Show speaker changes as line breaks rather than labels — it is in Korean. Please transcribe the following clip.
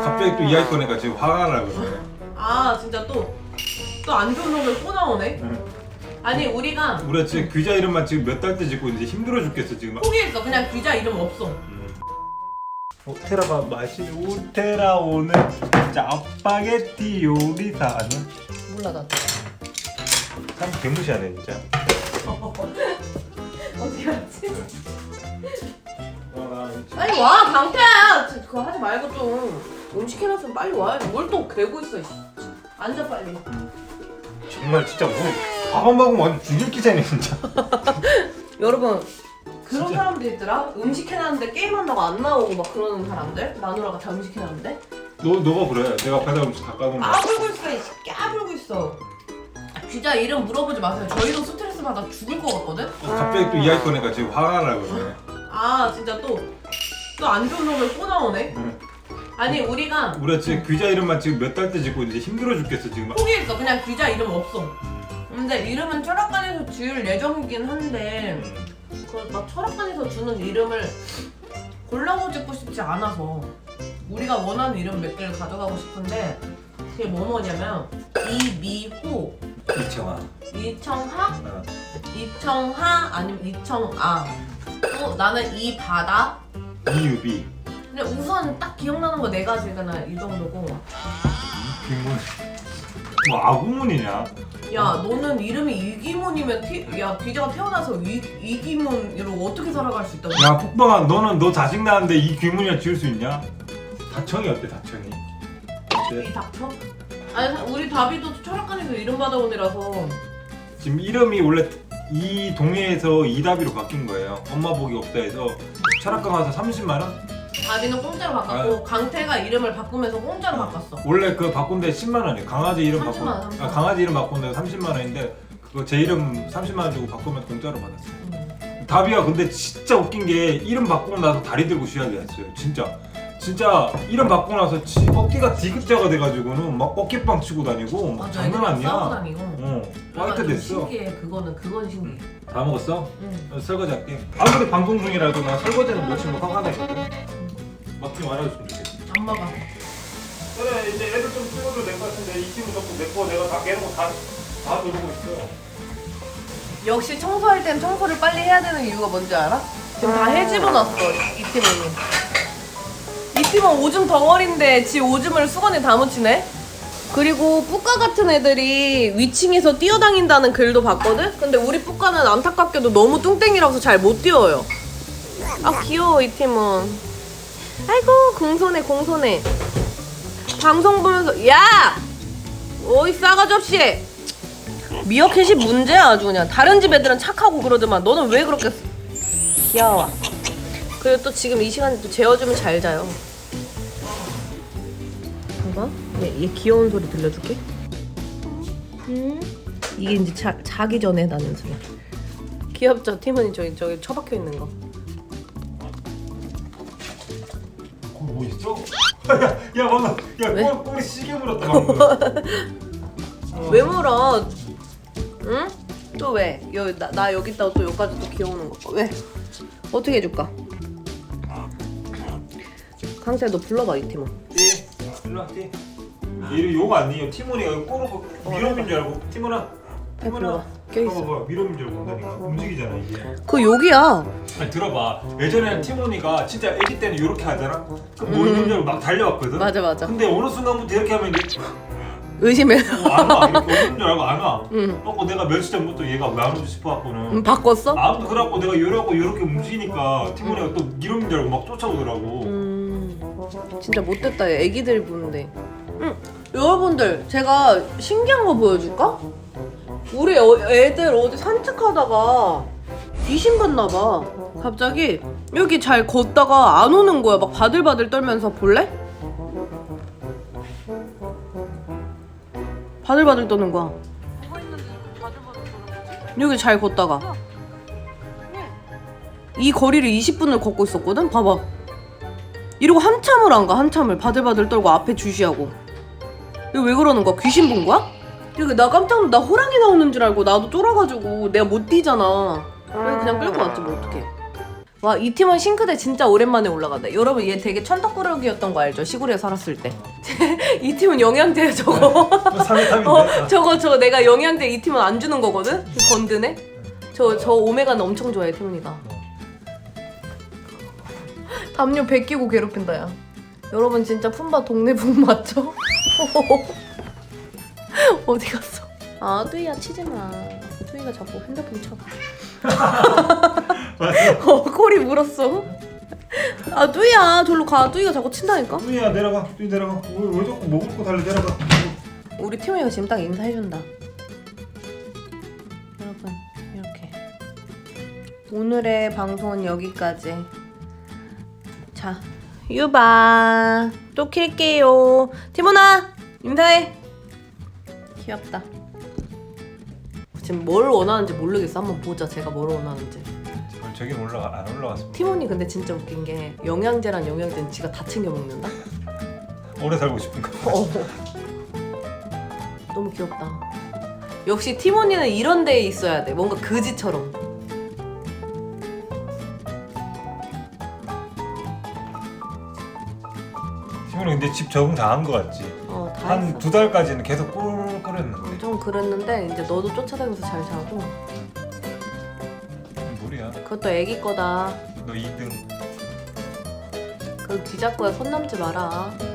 갑자기 또 이야기 꺼내가 지금 화가 나고 그래.
아 진짜 또 안 좋은 놈을 또 나오네. 아니 우리가
지금 귀자 이름만 지금 몇 달째 짓고 이제 힘들어 죽겠어 지금.
포기했어. 그냥 귀자 이름 없어.
테라가 맛이 우테라 오늘 짜파게티 요리사 아니야?
몰라 나도.
참 개무시하네 진짜.
어디 갔지? 빨리 와 강태야. 그거 하지 말고 좀 음식 해놨으면 빨리 와. 뭘 또 괴고 있어. 앉아 빨리.
정말 진짜 뭐 밥한 먹으면 완전 죽일 기세네 진짜.
여러분 그런
진짜.
사람들 있더라. 음식 해놨는데 게임한다고 안 나오고 막 그러는 사람들. 마누라가 다 음식 해놨는데
너가 그래. 내가 배달 음식 다 까놓은 거야.
까불고 있어. 까불고 있어. 귀자 이름 물어보지 마세요. 저희도 스트레스 받아 죽을 것 같거든.
갑자기 또 이야기 꺼내가 지금 화가 나고 그래.
아 진짜 또 안 좋은 놈을 또 나오네. 아니 우리가
지금 귀자 이름만 지금 몇 달째 짓고 이제 힘들어 죽겠어 지금.
포기했어. 그냥 귀자 이름 없어. 근데 이름은 철학관에서 지을 예정이긴 한데 막 철학관에서 주는 이름을 골라서 짓고 싶지 않아서 우리가 원하는 이름 몇 개를 가져가고 싶은데 그게 뭐냐면 이미호, 이청하, 이청하 아니면 이청아. 또 나는 이바다,
이유비.
근데 우선 딱 기억나는 거 네 가지가 이 정도고.
이기문. 뭐 아구문이냐?
야 너는 이름이 이기문이면 야 귀자가 태어나서 이기문으로 어떻게 살아갈 수 있다고?
야 폭방아, 너는 너 자식 낳았는데 이 귀문이나 지을 수 있냐? 다청이 어때 다청이?
이 닥쳐? 아니 우리 다비도 철학관에서 이름 받아온 애라서.
지금 이름이 원래 이 동네에서 이다비로 바뀐 거예요. 엄마 복이 없다 해서 철학관 가서 30만 원?
다비는 공짜로 바꿨고 강태가 이름을 바꾸면서 공짜로 바꿨어.
원래 그 바꾼 데 10만 원이에요. 강아지 이름
30만 원, 30만 원.
강아지 이름 바꾼 데 30만 원인데 그거 제 이름 30만 원 주고 바꾸면 공짜로 받았어요. 다비가 근데 진짜 웃긴 게 이름 바꾸고 나서 다리 들고 쉬하게 했어요. 진짜 이름 바꾸고 나서 어깨가 디귿자가 돼가지고는 막 어깨빵 치고 다니고 막
맞아,
장난
애들이랑 싸우고
아니야.
다니고.
화이트 됐어.
신기해. 그건 신기해.
다 먹었어?
응.
설거지 할게. 아무리 방송 중이라도 나 설거지는 며칠 못 화가 나거든. 막좀 알아줬으면 좋겠어.
안 먹어.
그래 이제 애들 좀 키워도 될 것 같은데 이 친구 자꾸 내거 내가 다 깨는 거다 누르고 있어.
역시 청소할 땐 청소를 빨리 해야 되는 이유가 뭔지 알아? 지금 다 해집어놨어 이 팀은. 이 팀은 오줌 덩어리인데 지 오줌을 수건에 다 묻히네? 그리고 뿌까 같은 애들이 위층에서 뛰어다닌다는 글도 봤거든? 근데 우리 뿌까는 안타깝게도 너무 뚱땡이라서 잘 못 뛰어요. 아 귀여워 이 팀은. 아이고 공손해. 방송 보면서 야! 어이 싸가지 없이! 미어캣이 문제야 아주 그냥. 다른 집 애들은 착하고 그러더만 너는 왜 그렇게 귀여워. 그리고 또 지금 이 시간에 또 재워주면 잘 자요. 봐봐 얘 귀여운 소리 들려줄게. 이게 이제 자기 전에 나는 소리. 귀엽죠? 티몬이 저기 처박혀 있는 거.
거기 뭐 있어? 야 방금
왜?
꼬리 시계 물었다 방금.
왜 물어? 응? 또 왜? 나 여기 있다가 또 여기까지 또 귀여우는 거. 왜? 어떻게 해줄까? 강태야 너 불러봐 이 팀은.
띠 일로 와 띠. 얘를 욕 아니에요. 티몬이가 꼬르고 미럼인 줄 알고. 티몬아
불러봐. 껴있어.
봐봐 미럼인 줄 알고 온다니까. 움직이잖아 이게.
그 욕이야.
아니 들어봐. 예전에는 티몬이가 진짜 애기 때는 이렇게 하잖아. 그뭐 있는 줄 알고 막 달려왔거든.
맞아.
근데 어느 순간부터 이렇게 하면 이제
의심해.
안 와. 이렇게 오는 줄 알고 안 와.
응.
그래갖고 내가 며칠 전부터 얘가 왜 안 오지 싶어갖고는
바꿨어?
아무튼 그래갖고 내가 이러고 이렇게 움직이니까 티몬이가 또 이러는 줄 알고 막 쫓아오더라고.
진짜 못됐다 얘 애기들 보는데. 여러분들 제가 신기한 거 보여줄까? 우리 애들 어디 산책하다가 귀신 봤나봐. 갑자기 여기 잘 걷다가 안 오는 거야. 막 바들바들 떨면서. 볼래? 바들바들 떠는 거야. 여기 잘 걷다가 이 거리를 20분을 걷고 있었거든? 봐봐. 이러고 한참을 안 가. 한참을 바들바들 떨고 앞에 주시하고. 이거 왜 그러는 거야? 귀신 본 거야? 이거 나 깜짝 놀라. 나 호랑이 나오는 줄 알고 나도 쫄아가지고 내가 못 뛰잖아. 그래서 그냥 끌고 왔지 뭐 어떡해. 와, 이 팀원 싱크대 진짜 오랜만에 올라간다. 여러분 얘 되게 천덕꾸러기였던 거 알죠? 시골에 살았을 때. 이 팀은 영양제 저거.
3위탑인데.
저거 내가 영양제 이 팀은 안 주는 거거든? 건드네? 저 오메가는 엄청 좋아해 태훈이가. 담요 베끼고 괴롭힌다 야. 여러분 진짜 품바 동네 분 맞죠? 어디 갔어? 아 뚜이야 치지마. 뚜이가 자꾸 핸드폰 쳐. 코리 물었어. 아 뚜이야 절로 가. 뚜이가 자꾸 친다니까.
뚜이야 내려가. 뚜이 내려가. 왜 자꾸 먹을 거 달래 내려가.
우리 팀원이가 지금 딱 인사해준다. 여러분 이렇게 오늘의 방송은 여기까지. 자 유바 또 킬게요. 티모나 인사해. 귀엽다. 지금 뭘 원하는지 모르겠어. 한번 보자 제가 뭘 원하는지.
저긴 안 올라갔습니다.
티모니 근데 진짜 웃긴 게 영양제란 영양제는 지가 다 챙겨 먹는다?
오래 살고 싶은가?
너무 귀엽다. 역시 티모니는 이런 데에 있어야 돼. 뭔가 그지처럼.
시민이 근데 집 적응 다 한 거 같지?
다
한
했어.
2달까지는 계속 꿀꿀했는데.
좀 그랬는데 이제 너도 쫓아다니면서 잘 자고.
무리야.
그것도 애기 거다.
너 2등.
그 뒤잡고야 손 남지 마라.